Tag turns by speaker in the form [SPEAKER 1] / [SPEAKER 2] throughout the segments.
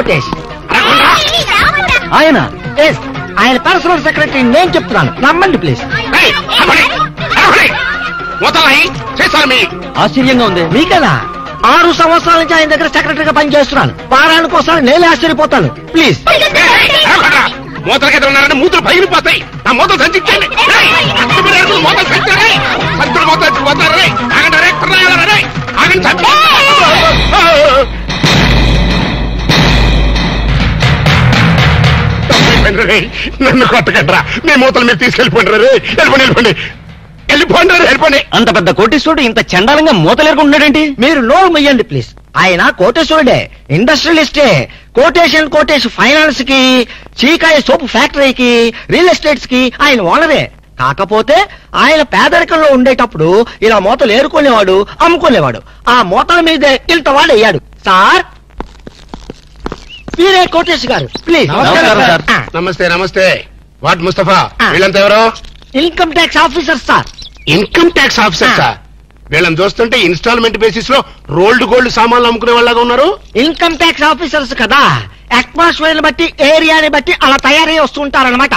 [SPEAKER 1] కోటేష్. ఆయన ఆయన personal secretary. నేను చెప్తున్నాను, నమ్మండి ప్లీజ్. ఆశ్చర్యంగా ఉంది మీకదా? 6 సంవత్సరాల నుంచి ఆయన దగ్గర సెక్రటరీగా పనిచేస్తున్నాను. వారానికి ఒకసారి నేనే ఆశ్చర్యపోతాను. ప్లీజ్.
[SPEAKER 2] మూతలకి ఉన్నారని మూతలు పగిలిపోతాయి. నా మూతలు సంచించండి. నన్ను కొట్టకండ్రా. మీ మూతలు మీరు తీసుకెళ్ళిపోండి. వెళ్ళిపోండి. వెళ్ళిపోండి.
[SPEAKER 3] అంత పెద్ద కోటేశ్వరుడు ఇంత చండాలంగా మూతలేరుకుంటున్నాడేంటి?
[SPEAKER 1] మీరు నోరు మొయ్యండి ప్లీజ్. ఆయన కోటేశ్వరుడే, ఇండస్ట్రియలిస్టే. కోటేష్ ఫైనాన్స్ కి, చీకాయ సోపు ఫ్యాక్టరీకి, రియల్ ఎస్టేట్స్ కి ఆయన ఓనరే. కాకపోతే ఆయన పేదరికంలో ఉండేటప్పుడు ఇలా మూతలు ఏరుకునేవాడు, అమ్ముకునేవాడు. ఆ మూతల మీదే ఇంతవాడు అయ్యాడు. సార్ మీరే కోటేష్ గారు, ప్లీజ్.
[SPEAKER 2] నమస్తే. వాట్ ముస్తఫా, వీళ్ళంతా ఎవరో?
[SPEAKER 1] Income tax officer sir.
[SPEAKER 2] Income tax officer sir. వీళ్ళని చూస్తుంటే ఇన్స్టాల్మెంట్ బేసిస్ లో రోల్డ్ గోల్డ్ సామాన్లు అమ్ముకునే వాళ్ళగా ఉన్నారు.
[SPEAKER 1] ఇన్కమ్ ట్యాక్స్ ఆఫీసర్స్ కదా, అట్మాస్ఫియర్ బట్టి, ఏరియాని బట్టి అలా తయారై వస్తుంటారనమాట.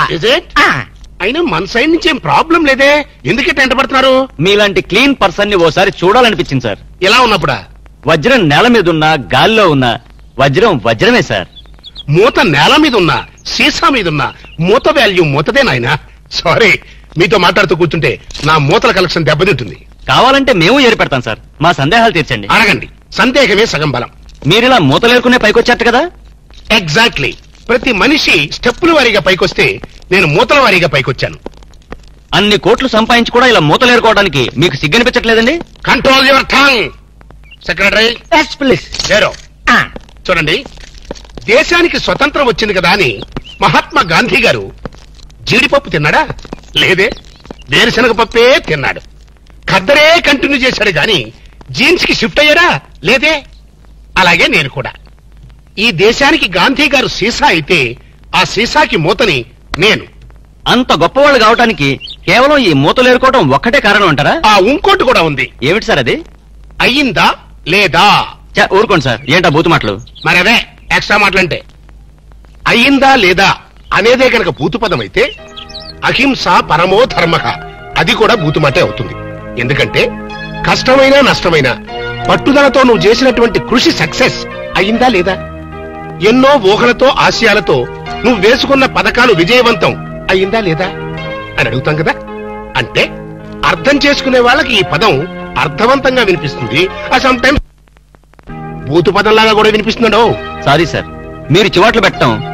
[SPEAKER 2] అయినా మన సైడ్ నుంచి ఏం ప్రాబ్లం లేదే, ఎందుకే టెంట పడుతున్నారు?
[SPEAKER 3] మీలాంటి క్లీన్ పర్సన్ ని ఓసారి చూడాలనిపించింది సార్.
[SPEAKER 2] ఎలా ఉన్నప్పుడా?
[SPEAKER 3] వజ్రం నేల మీద ఉన్నా, గాల్లో ఉన్నా వజ్రమే సార్.
[SPEAKER 2] మూత నేల మీద ఉన్నా, సీసా మీద ఉన్నా, మూత వాల్యూ మూతదే నాయనా. సారీ, మీతో మాట్లాడుతూ కూర్చుంటే నా మూతల కలెక్షన్ దెబ్బతింటుంది.
[SPEAKER 3] కావాలంటే మేము ఏర్పెడతాం సార్. మా సందేహాలు తీర్చండి.
[SPEAKER 2] అడగండి. సందేహమే సగం బలం.
[SPEAKER 3] మీరిలా మూతలేరుకునే పైకొచ్చారట కదా?
[SPEAKER 2] ఎగ్జాక్ట్లీ. ప్రతి మనిషి స్టెప్పుల వారీగా పైకొస్తే నేను మూతల వారీగా పైకొచ్చాను.
[SPEAKER 3] అన్ని కోట్లు సంపాదించి కూడా ఇలా మూతలేరుకోవడానికి మీకు సిగ్గనిపించట్లేదండి?
[SPEAKER 2] Control your tongue. సెక్రటరీ లేరో. చూడండి, దేశానికి స్వతంత్రం వచ్చింది కదా అని మహాత్మా గాంధీ గారు జీడిపప్పు తిన్నాడా? లేదే. వేరుశనగ పప్పే తిన్నాడు. ఖద్దరే కంటిన్యూ చేశాడు గాని జీన్స్ కి షిఫ్ట్ అయ్యాడా? లేదే. అలాగే నేను కూడా. ఈ దేశానికి గాంధీ గారు సీసా అయితే ఆ సీసాకి మూతని నేను.
[SPEAKER 3] అంత గొప్పవాళ్ళు కావటానికి కేవలం ఈ మూతలేరుకోవడం ఒక్కటే కారణం అంటారా?
[SPEAKER 2] ఇంకోటి కూడా ఉంది.
[SPEAKER 3] ఏమిటి సార్ అది?
[SPEAKER 2] అయ్యిందా లేదా?
[SPEAKER 3] ఊరుకోండి సార్, ఏంటా బూతు మాటలు?
[SPEAKER 2] మరి అదే ఎక్స్ట్రా మాటలంటే. అయ్యిందా లేదా అనేదే కనుక బూతు పదం అయితే అహింస పరమో ధర్మః అది కూడా బూతుమాటే అవుతుంది. ఎందుకంటే కష్టమైనా నష్టమైనా పట్టుదలతో నువ్వు చేసినటువంటి కృషి సక్సెస్ అయ్యిందా లేదా? ఎన్నో ఊహలతో ఆశయాలతో నువ్వు వేసుకున్న పథకాలు విజయవంతం అయ్యిందా లేదా అని అడుగుతాం కదా. అంటే అర్థం చేసుకునే వాళ్ళకి ఈ పదం అర్థవంతంగా వినిపిస్తుంది. సమ్ టైమ్స్ బూతు పదంలాగా కూడా వినిపిస్తుందో.
[SPEAKER 3] సారీ సార్, మీరు చివాట్లు పెట్టడం